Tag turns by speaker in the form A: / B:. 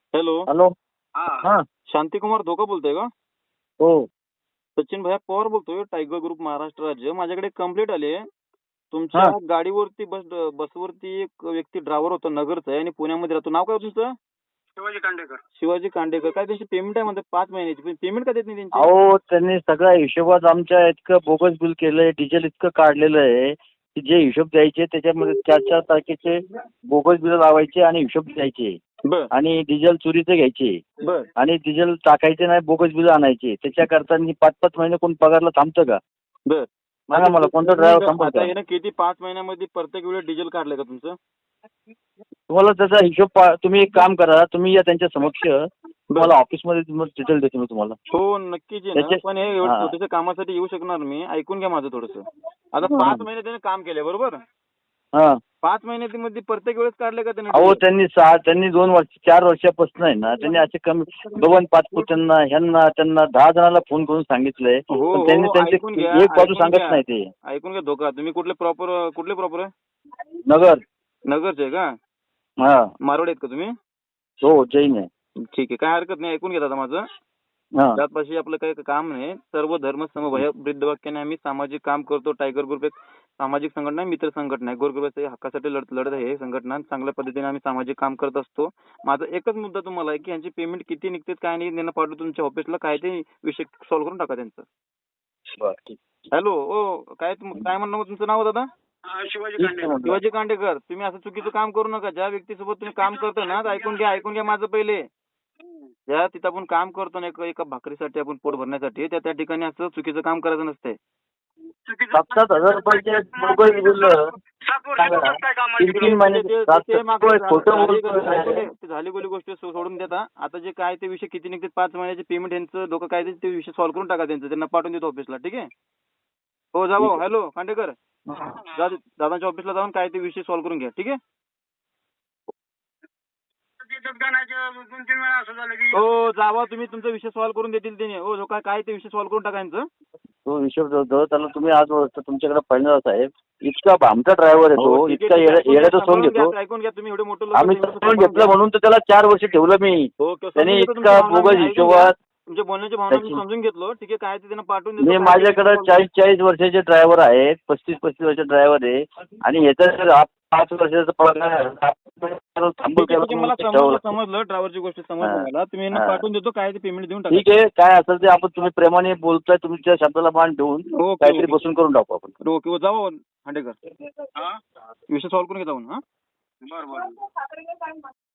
A: Hello.
B: Hello.
C: हा
B: हा.
A: शांतिकुमार धोका बोलतोय का?
B: हो.
A: सचिन भैया पवार बोलतोय, टायगर ग्रुप महाराष्ट्र राज्य. माझ्याकडे कंप्लेंट आली आहे. तुमच्या
B: हा.
A: गाडीवरती बसवरती एक व्यक्ती ड्रायव्हर होता, नगरचा आहे आणि पुण्यामध्ये राहतो. नाव काय होतं तुमचं?
C: शिवाजी कांडेकर.
A: शिवाजी कांडेकर. काय त्यांची पेमेंट आहे म्हणतात 5 महिन्याची, पण पेमेंट का देत नाही त्यांची?
B: अहो, त्यांनी सगळ्या हिशोबात आमच्या इतकं बोगस बिल केलंय, डिझेल इतकं काढलेलं आहे की जे हिशोब द्यायचे त्याच्यामध्ये 4-4 तारखेचे बोगस बिल लावायचे आणि हिशोब द्यायचे
A: बर
B: आणि डिझेल चोरीचे घ्यायचे
A: बर
B: आणि डिझेल टाकायचे नाही, बोगस बिल आणायचे. त्याच्याकरता 5-5 महिने कोण पगारला थांबतं का?
A: बर.
B: सांगा मला, कोणता ड्रायव्हर थांबतो
A: आता
B: का?
A: यानं किती 5 महिन्यामध्ये प्रत्येक वेळेस डिझेल काढलंय का तुमचं?
B: तुम्हाला त्याचा हिशोब तुम्ही एक काम करा, तुम्ही या त्यांच्या समक्ष, तुम्हाला ऑफिसमध्ये डिटेल देतो मी तुम्हाला.
A: हो नक्कीच आहे ना,
B: त्याचे-
A: पण हे एवढ्या
B: हा.
A: छोट्याशा कामासाठी येऊ शकणार मी. ऐकून घ्या माझं थोडंसं. आता 5 महिने त्याने काम केले, बरोबर?
B: हा.
A: 5 महिन्यामध्ये प्रत्येक वेळेस काढले का त्याने
B: अहो,
A: डिझेल?
B: त्यांनी 2 वर्ष 4 वर्षापासून आहे ना, त्यांनी असे कमी 2-5 पुत्रांना ह्यांना त्यांना 10 जणांना फोन करून सांगितलंय,
A: हो
B: पण त्यांनी
A: हो
B: त्यांची
A: ऐकून घ्या,
B: एक बाजू
A: ऐकून
B: सांगत
A: घ्या.
B: नाही ते.
A: ऐकून घ्या धोका. तुम्ही कुठले प्रॉपर आहे?
B: नगर.
A: नगरचे आहे का?
B: हा.
A: मारवाडी आहेत का तुम्ही?
B: हो, जैन आहे.
A: ठीक आहे, काय हरकत नाही. ऐकून घ्या दादा माझं.
B: हा.
A: त्यापाशी आपलं काही काम नाही. सर्व धर्म समभाव ब्रीदवाक्याने आम्ही सामाजिक काम करतो. टायगर ग्रुप एक सामाजिक संघटना आहे, मित्र संघटना आहे. गोरगरिबाच्या हक्कासाठी लढत आहे ही संघटना. चांगल्या पद्धतीने आम्ही सामाजिक काम करत असतो. माझा एकच मुद्दा तुम्हाला आहे की यांची पेमेंट किती निघते काय नाही, त्यांना पाठवून तुमच्या ऑफिसला, काय ते विषय सॉल्व्ह करून टाका त्यांचं.
B: बरं, ठीक.
A: हॅलो. ओ काय म्हणणं होतं तुमचं नाव दादा?
C: शिवाजी
B: ठीक आहे
C: कांडेकर.
B: म्हटलं.
A: शिवाजी कांडेकर. तुम्ही असं चुकीचं काम करू नका. ज्या व्यक्तीसोबत तुम्ही काम करता ना, तर ऐकून घ्या माझं पहिले. ज्या तिथं आपण काम करतो ना, एका भाकरीसाठी, आपण पोट भरण्यासाठी, त्या ठिकाणी असं चुकीचं काम करायचं नसतंय.
B: 7,000 रुपयाचे बोगस बिल.
C: 7 वर्षापासून काय काम आहे
B: 3 महिने खोटं बोलतोय.
A: ते झाली बोली गोष्ट सोडून देता. आता जे काय ते विषय किती निघते 5 महिन्याचे पेमेंट यांचं धोका काय ते विषय सॉल्व्ह करून टाका त्यांचं. त्यांना पाठवून देतो ऑफिसला. ठीक आहे? हो जा भाऊ. हॅलो कांडेकर. दादांच्या ऑफिसला जाऊन काय ते विषय सॉल्व्ह करून घ्या. ठीक आहे?
C: दोन-तीन वेळा असं झालं की
A: हो जावा तुम्ही, तुमचा विषय सॉल्व्ह करून देतील त्याने. हो जो काय ते विषय सॉल्व्ह करून टाका यांचं.
B: तो हिशोब जो त्याला तुम्ही आज तुमच्याकडे पहिला साहेब, इतका आमचा ड्रायव्हर
A: हो,
B: येतो,
A: ठीक
B: इतका
A: आहे, ठीक आहे.
B: येड्याचा सोंग घेतो.
A: ऐकून घ्या तुम्ही, एवढे मोठे लोक
B: आम्ही समजून घेतलं म्हणून तर त्याला 4 वर्ष ठेवलं मी.
A: हो,
B: त्यांनी
A: समजून घेतो
B: इतका
A: तुमची भावना.
B: बोगस
A: मी ऐकून
B: हिशोबात.
A: तुमच्या बोलण्याची भावना मी समजून घेतलो. ठीक आहे, काय ते त्यांना पाठवून देतो.
B: मी
A: काय ते
B: माझ्याकडे
A: विषय
B: 40-40 वर्षाचे ड्रायव्हर आहेत, 35-35 वर्षाचे ड्रायव्हर आहे आणि ह्याचा जर 5 वर्षाचा पगार थांबू
A: ठीक आहे, मला
B: केला.
A: समजलं ड्रायव्हरची गोष्ट समजली
B: हा.
A: मला. तुम्ही यांना
B: हा.
A: पाठवून देतो, काय ते पेमेंट देऊन टाका.
B: ठीक आहे, काय असेल ते आपण तुम्ही प्रेमाने बोलताय, तुमच्या शब्दाला मान ठेवून
A: ओके,
B: काहीतरी
A: ओके.
B: बसून करून टाकू आपण.
A: ओके जाऊ हांडेकर.
C: हा
A: विषय सॉल्व्ह करून घे जाऊन. हा
C: बरं.